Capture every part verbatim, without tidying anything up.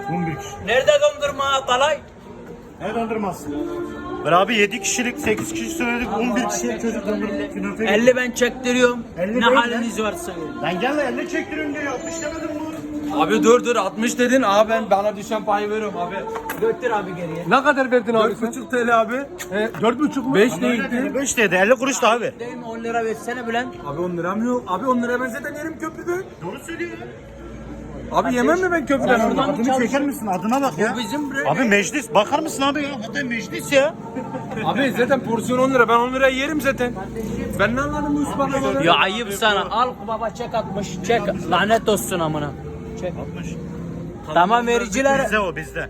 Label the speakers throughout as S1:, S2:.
S1: on bir kişi.
S2: Nerede dondurma Atalay?
S1: Ne dondurması? Ben abi yedi kişilik, sekiz kişi söyledik, on bir kişilik çocuk dondurma künefe.
S2: elli ben çektiriyorum.
S1: elli
S2: Ne
S1: değil
S2: haliniz varsa.
S1: Lan gel lan elli çektirin diyor, altmış demedim mi?
S3: Abi dur dur altmış dedin. Abi ben bana düşen payı veriyorum abi.
S2: Götür abi geriye.
S4: Ne kadar verdin abi
S3: dört
S4: sen?
S3: buçuk T L abi.
S4: E, dört buçuk mu?
S3: beş değildi.
S1: beş dedi, elli kuruş da abi.
S2: Değil mi on lira versene Bülent.
S3: Abi on liram yok. Abi on lira ben zaten yerim köprüde.
S1: Doğru söylüyor.
S3: Abi yemem mi ben köprüden?
S2: Sen oradan-
S1: Adını çeker misin? Adına bak ya.
S2: Bu bizim bre.
S1: Abi meclis, bakar mısın abi ya? Hatta meclis ya.
S3: Abi zaten porsiyon on lira. Ben on liraya yerim zaten. Ben ne anladım bu ısmarlamadan?
S2: Ya ayıp sana. Al baba çek atmış. Çek. Lanet olsun amına. Çek. Tamam vericiler.
S1: Bizde o bizde.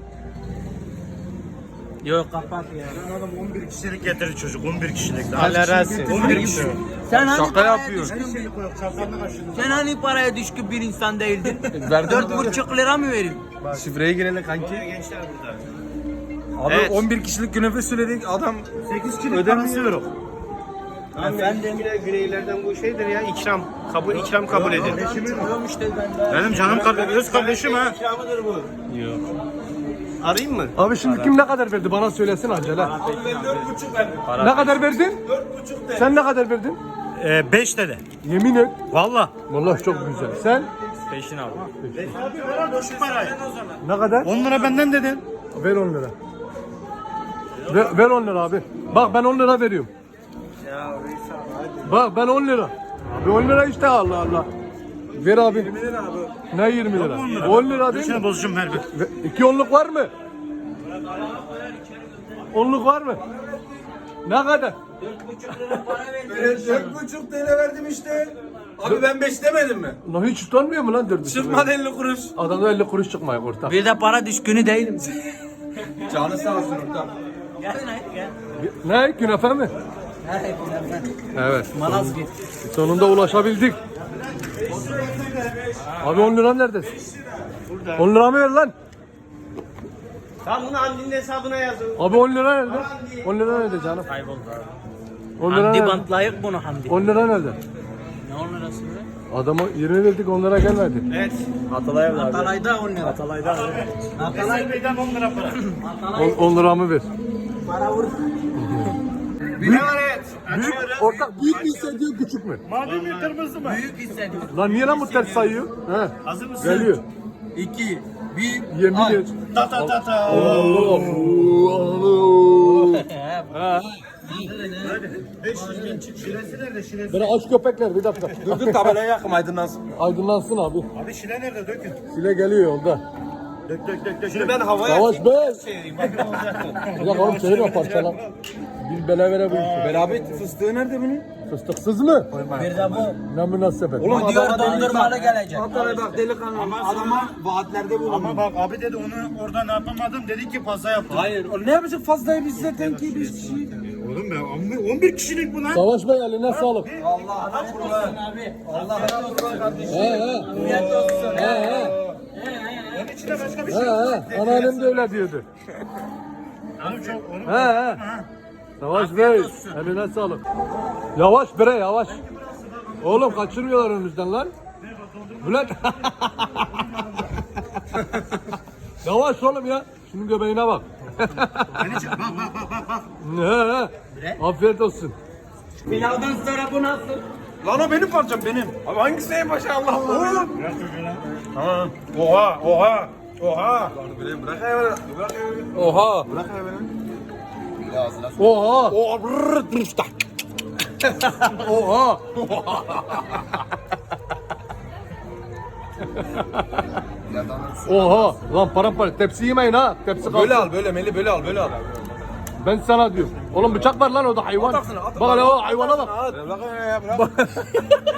S2: Yok kapat ya.
S1: Adam on bir kişilik getirdi çocuk, on bir kişilik.
S3: Allah razı olsun.
S1: on bir kişi.
S2: Sen hani
S3: Şaka
S2: paraya
S3: yapıyor.
S2: düşkün,
S1: Her şeyi koyup çarpanını kaşıdı.
S2: sen hani paraya düşkün bir insan değildin?
S3: Verdim.
S2: Dört buçuk lira mı vereyim?
S3: Şifreye girelim kanki.
S1: Gençler burada.
S3: Abi
S1: Evet.
S3: on bir kişilik künefe söyledik. Adam
S1: sekiz kişilik
S3: Ödemiyor.
S1: parası yok.
S2: Efendim.
S5: Güneylerden bu şeydir ya ikram kabul ikram kabul edin.
S2: Çıkıyorum işte ben de.
S1: Benim canım kardeşim, öz kardeşim ha.
S5: İkramıdır bu. Yok. Arayayım mı?
S4: Abi şimdi kim ne kadar verdi bana söylesin acele.
S3: ben dört buçuk verdim.
S4: Ne kadar verdin?
S3: Dört buçuk de.
S4: Sen ne kadar verdin?
S1: Ee, beş dedi.
S4: Yemin et.
S1: Valla.
S4: Vallahi çok güzel. Sen
S3: Peşin abi.
S1: Abi ver abi şu parayı.
S4: ne kadar?
S1: on lira benden dedin.
S4: Ver on lira. Ver, ver on lira abi. Bak ben on lira veriyorum. Bak ben on lira. Abi on lira işte Allah Allah. Ver abi.
S3: yirmi lira abi.
S4: Ne yirmi lira? on lira değil
S1: Düşüne
S4: mi?
S1: bozucum ver bir.
S4: Ve- İki onluk var mı? Onluk var mı? Ne kadar?
S3: dört buçuk T L verdim işte. Abi ben beş demedim mi?
S4: Lan hiç utanmıyor mu lan dört buçuk lira?
S3: Çıkmadı elli kuruş.
S4: Adamda elli kuruş çıkmıyor ortak.
S2: Bir de para düşkünü değilim.
S3: Canı sağ olsun ortam.
S2: Gel hayır gel.
S4: Ne? Künefe mi?
S2: Hayır gel.
S4: Evet.
S2: Malazgirt.
S4: Sonunda ulaşabildik. Abi on lira nerede? on lira mı ver lan?
S5: Tamam bunu Hamdi'nin hesabına yazın.
S4: Abi on lira nerede? on lira nerede canım?
S2: Kayboldu
S4: on
S2: abi.
S4: lira
S2: Hamdi
S4: nerede?
S2: bantlayık bunu Hamdi.
S4: on lira nerede?
S2: Ne on lirası be?
S4: Adama yirmi verdik on lira gelmedi.
S5: Evet.
S2: Atalay'da on lira. Atalay'da.
S1: Atalay Bey'den on lira para.
S4: on liramı ver.
S2: Para vur.
S5: Bir evet.
S4: Büyük, ortak büyük mü hissediyor küçük mü?
S1: Mavi mi kırmızı mı?
S2: Büyük hissediyorum.
S4: Lan niye lan bu ters sayıyor? He.
S1: Hazır mısın?
S4: Geliyor.
S3: iki, bir,
S4: Yemin et.
S1: Ta ta ta ta.
S4: Allah. Allah.
S1: beş yüz bin çık. Şiresi nerede şiresi?
S4: Bana aç köpekler bir dakika.
S3: dur dur tabelayı yakım aydınlansın.
S4: Aydınlansın abi.
S1: Abi şile nerede dökün.
S4: Sile geliyor yolda.
S1: Dök dök dök dök.
S5: Şimdi ben havaya
S4: Yavaş be.
S5: çevireyim. Bakın olacak mı?
S4: Bir dakika oğlum çevirme parçalan. Bir bele vere bu işi.
S3: Beraber fıstığı nerede bunun?
S4: Fıstıksız mı?
S2: Bir de bu.
S4: Ne münasebet.
S2: Oğlum diyor dondurmalı gelecek.
S3: Atalay bak delikanlı adama vaatlerde bulundu.
S1: Ama bak abi dedi onu orada ne yapamadım dedi ki fazla yaptım.
S3: Hayır o ne yapacak fazlayı biz zaten ki biz kişi.
S1: Oğlum ben on bir kişilik bu lan.
S4: Savaş Bey eline sağlık.
S3: Allah'ına kurban.
S2: Abi.
S3: Allah'ına kurban kardeşim.
S4: He he.
S2: Afiyet olsun.
S4: He he.
S1: Onun içinde başka bir
S4: He
S1: şey yok.
S4: he. Anneannem de öyle diyordu.
S1: Oğlum çok oğlum.
S4: He he. Savaş Bey eline sağlık. Yavaş bre yavaş. Oğlum kaçırmıyorlar önümüzden lan. Bülent. Yavaş oğlum ya. Şunun göbeğine bak.
S1: Beni çek. Bak bak bak bak bak.
S4: He he. Afiyet olsun.
S2: Pilavdan sonra bu nasıl?
S3: Lan o benim parçam benim. Abi hangisi en başa Allah Allah. Oğlum.
S1: Bırak çocuğu lan.
S3: Tamam. Oha oha. Oha. Bırak hayvanı. Bırak hayvanı. Oha. Bırak hayvanı.
S4: Oha.
S3: Oha. Brrrr. Dırışta.
S4: Oha. Oha. Lan paramparça. Tepsi yemeyin ha. Tepsi kalsın.
S3: Böyle al böyle Meli böyle al böyle al.
S4: Ben sana diyorum. Oğlum bıçak var lan o da hayvan.
S3: Ataksın, at.
S4: Bak hele o hayvana bak.
S3: Bırak hayvanı ya bırak.